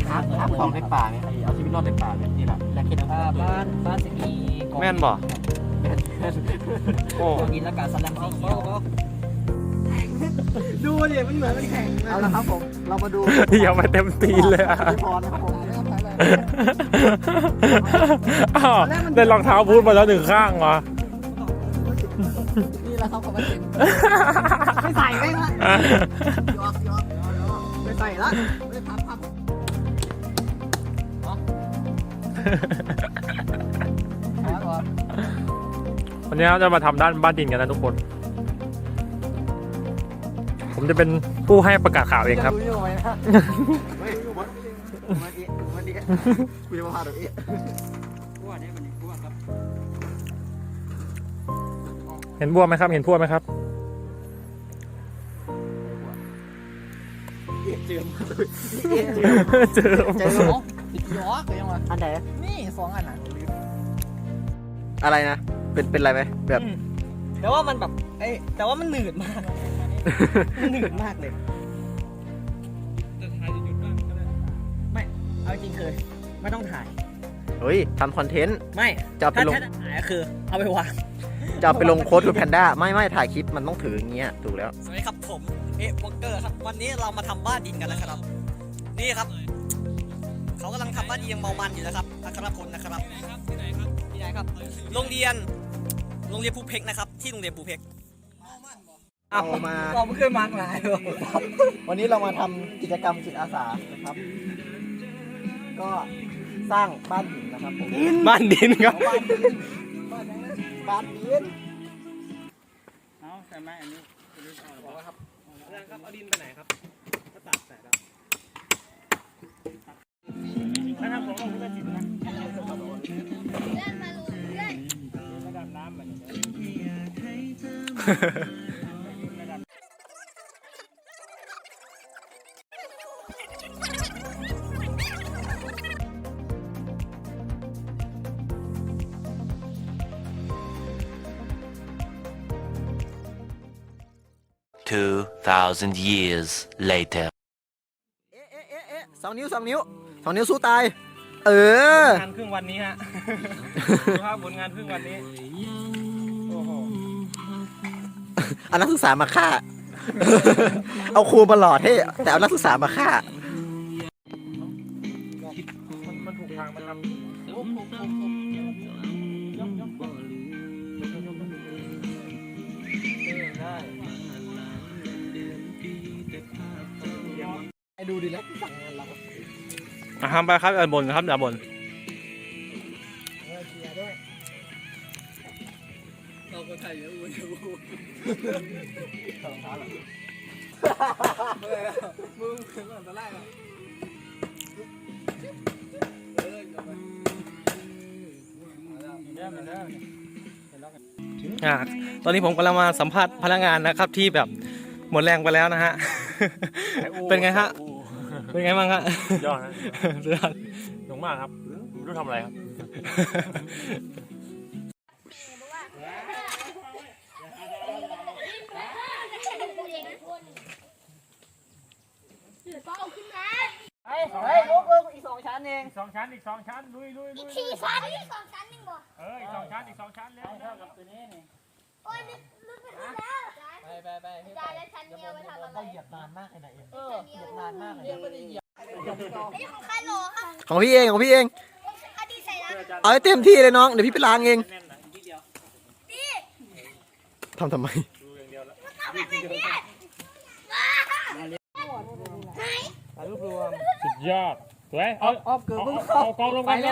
หาของในป่าเนี่ยเอาชีวิตรอดในป่าเนี่ยนี่แหละและคิดว่าบ้านสิมีแม่นบ่โอ้กินแล้วการสลัมสีเขียวดูดิมันเหมือนมันแข็งเอาละครับผมเรามาดูอย่ามาเต็มตีนเลยอ่ะพอนะครับผมได้รองเท้าบูทมาแล้วหนึ่งข้างวะนี่แหละครับผมไม่ใส่ไม่ละยอมไม่ใส่ละไม่พับวันนี้เราจะมาทำด้านบ้านดินกันนะทุกคนผมจะเป็นผู้ให้ประกาศข่าวเองครับเห็นบัวไหมครับเห็นพวกไหมครับเจอติดยอกเลยยังวะอันไหนนี่สองอันน่ะอะไรนะเป็นอะไรไหมแบบแต่ว่ามันแบบแต่ว่ามันหนืดมากมันหนืดมากเลยไม่เอาจริงคือไม่ต้องถ่ายเฮ้ยทำคอนเทนต์ไม่จะเอาไปลงถ้าถ่ายก็คือเอาไปวางจะเอาไปลงโค้ดทูแพนด้าไม่ถ่ายคลิปมันต้องถืออย่างเงี้ยถูกแล้วสวัสดีครับผมวอลเกอร์ครับวันนี้เรามาทำบ้านดินกันนะครับนี่ครับเขากำลังทำบ้านดินยังเมามันอยู่นะครับอัครพลนะครับที่ไหนครับโรงเรียนภูเพกนะครับที่โรงเรียนภูเพกเอามาเราไม่เคยมาหลายวันนี้เรามาทำกิจกรรมจิตอาสานะครับ ก็สร้างบ้านหินนะครับผมบ้านดินครับบ้านหินเอาใช่ไหมอันนี้ครับเอาดินไปไหนครับก็ตัดใส่แล้วนะครับผมเอาไปติดนะระดับน้ำมัน 2,000 years later. สองนิ้วสู้ตายงานครึ่งวันนี้ฮะดูภาพผลงานครึ่งวันนี้โอ้โหเอานักศึกษามาฆ่า เอาครูมาหล่อเท่แต่เอานักศึกษามาฆ่ามันถูกทางมาทำไอ้ดูดิแล้วสั่งงานเราทำไปครับอย่าบ่นครับอย่าบ่นเชียร์ด้วยเราก็ไทยอยู่สองเท้าเหรอมึงถึงก่อนตะไลอ่ะตอนนี้ผมกำลังมาสัมภาษณ์พนักงานนะครับที่แบบหมดแรงไปแล้วนะฮะ เป็นไงฮะ เป็นไงบ้างฮะยอดนะสุดยอดหนุ่มมากครับไม่รู้ทำอะไรครับเฮ้ยลูกอีก2 ชั้นเองอีกสองชั้นลุยอีก4 ชั้นอีก2 ชั้นนึงบ่อีกสองชั้นแล้วเท่ากับตัวนี้นี่โอ้ยลึกไปแล้วไปจานแล้วชั้นเดียวไปทำอะไรเหยียบนานมากเลยนะเอ็มเหยียบนานมากเลยไม่ได้เหยียบนี่ของใครโหลครับของพี่เองเอาให้เต็มที่เลยน้องเดี๋ยวพี่ไปล้างเองทำไมรูปรวมสุดยอดสวยเอากองลงกัน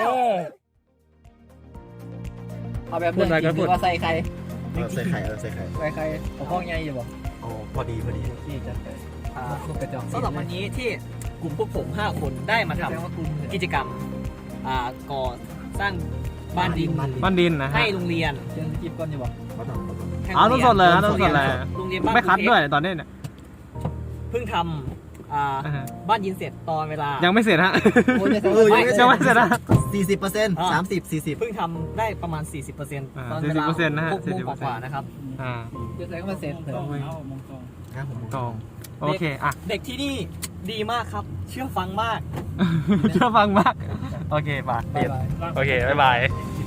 เอาแบบเรื่องจริงหรือว่าใส่ใครใส่ไข่ใครเอาข้องใหญ่อยู่บ่โอ้พอดีนี่จะสำหรับวันนี้ที่กลุ่มพวกผม5 คนได้มาทำกิจกรรมก่อสร้างบ้านดินนะให้โรงเรียนเชิญจิบก่อนอยู่บ่ต้องสดเลยโรงเรียนไม่คัดด้วยตอนนี้เนี่ยเพิ่งทำบ้านดินเสร็จตอนเวลายังไม่เสร็จฮะยังไม่เสร็จนะ40% 30-40 เพิ่งทำได้ประมาณ 40%ตอนเวลา6 โมงกว่านะครับเดี๋ยวใส่เข้ามาเซ็ตเลยครับผมตองโอเคอ่ะเด็กที่นี่ดีมากครับ เชื่อฟังมากเชื่อฟังมากโอเคบายเปลี่ยนโอเคบ๊ายบาย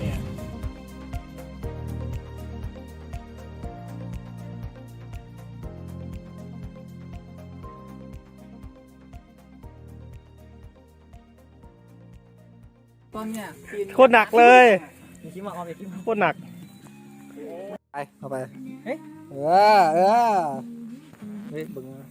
ต้นเนี่ยโคตรหนักเลยอย่าคิดมาเอาอย่าคิดมาโคตรหนักไปเข้าไปเฮ้ยเฮ้ยบึงนะ